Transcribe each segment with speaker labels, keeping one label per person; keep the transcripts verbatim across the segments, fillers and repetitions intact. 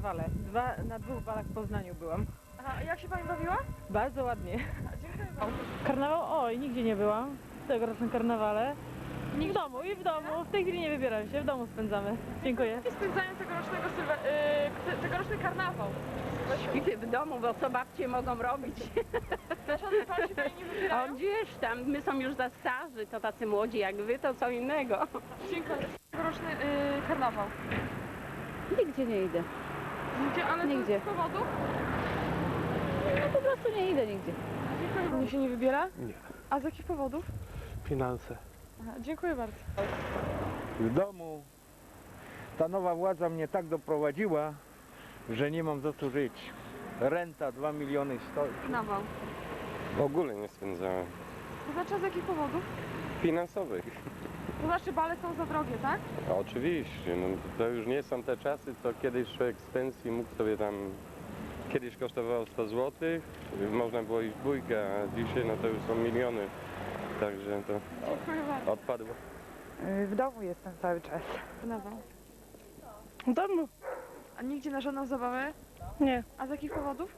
Speaker 1: karnawale. Dwa, na dwóch balach w Poznaniu byłam.
Speaker 2: Aha, a jak się pani bawiła?
Speaker 1: Bardzo ładnie.
Speaker 2: A, dziękuję bardzo.
Speaker 1: Karnawał? Oj, nigdzie nie byłam. W tegorocznym karnawale. I w domu, i w domu. W tej chwili nie wybieram się, w domu spędzamy. Dziękuję.
Speaker 2: I spędzają tegorocznego sylwe... Yy, tegoroczny karnawał.
Speaker 3: Idę w domu, bo co babcie mogą robić?
Speaker 2: Dlaczego pan się pani nie
Speaker 3: A
Speaker 2: wybierają?
Speaker 3: gdzieś tam, my są już za starzy, to tacy młodzi jak wy, to co innego.
Speaker 2: Dziękuję. Tegoroczny yy, karnawał.
Speaker 4: Nigdzie nie idę.
Speaker 2: Nigdzie, ale
Speaker 4: Nigdzie.
Speaker 2: to z powodu?
Speaker 4: No po prostu nie idę nigdzie.
Speaker 2: Dziękuję. Pani się nie wybiera?
Speaker 5: Nie.
Speaker 2: A z jakich powodów?
Speaker 5: Finanse.
Speaker 2: Aha, dziękuję bardzo.
Speaker 6: W domu ta nowa władza mnie tak doprowadziła, że nie mam za co żyć. Renta dwa miliony stoi.
Speaker 2: Karnawał.
Speaker 7: W ogóle nie spędzałem.
Speaker 2: To znaczy, a z jakich powodów?
Speaker 7: Finansowych.
Speaker 2: To znaczy, bale są za drogie, tak?
Speaker 7: A oczywiście, no, to już nie są te czasy, co kiedyś człowiek z pensji mógł sobie tam... Kiedyś kosztowało sto złotych, można było iść w bójkę, a dzisiaj no to już są miliony. Także to
Speaker 2: Dziękuję bardzo.
Speaker 7: odpadło.
Speaker 8: W domu jestem cały czas.
Speaker 2: Karnawał.
Speaker 8: W domu?
Speaker 2: A nigdzie na żadną zabawę?
Speaker 8: Nie.
Speaker 2: A z jakich powodów?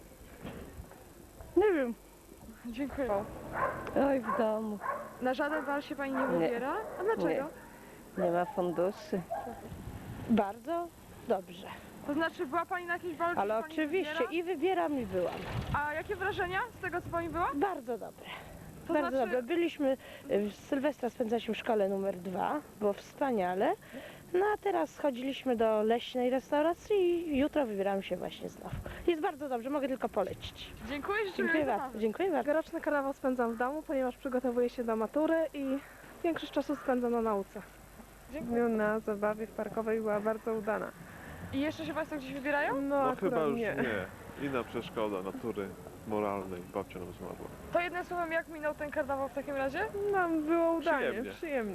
Speaker 8: Nie wiem.
Speaker 2: Dziękuję.
Speaker 4: Oj, w domu.
Speaker 2: Na żaden bal się pani nie
Speaker 4: Nie.
Speaker 2: wybiera? A dlaczego?
Speaker 4: Nie ma funduszy.
Speaker 9: Bardzo dobrze,
Speaker 2: To znaczy, była pani na jakiejś balu, czy
Speaker 9: ale
Speaker 2: się pani
Speaker 9: oczywiście
Speaker 2: wybiera?
Speaker 9: i wybieram i byłam.
Speaker 2: A jakie wrażenia z tego, co pani była?
Speaker 9: Bardzo dobre.
Speaker 2: To
Speaker 9: Bardzo
Speaker 2: znaczy,
Speaker 9: dobre. Byliśmy, y, Sylwestra spędzaliśmy w szkole numer dwa, było wspaniale. No a teraz chodziliśmy do leśnej restauracji i jutro wybieramy się właśnie znowu. Jest bardzo dobrze, mogę tylko polecić.
Speaker 2: dziękuję, życzę
Speaker 9: Dziękuję
Speaker 2: miłej
Speaker 9: bardzo.
Speaker 2: zabawy.
Speaker 9: Dziękuję bardzo.
Speaker 8: Tegoroczny karnawał spędzam w domu, ponieważ przygotowuję się do matury i większość czasu spędzam na nauce.
Speaker 2: Dziękuję.
Speaker 8: Na zabawie w parkowej była bardzo udana.
Speaker 2: I jeszcze się państwo gdzieś wybierają?
Speaker 8: No,
Speaker 5: No
Speaker 8: akurat
Speaker 5: chyba już
Speaker 8: nie.
Speaker 5: nie. Inna przeszkoda natury moralnej. Babcia nam zmarła.
Speaker 2: To jednym słowem, jak minął ten karnawał w takim razie?
Speaker 8: No, było udanie,
Speaker 5: Przyjemnie.
Speaker 8: przyjemnie.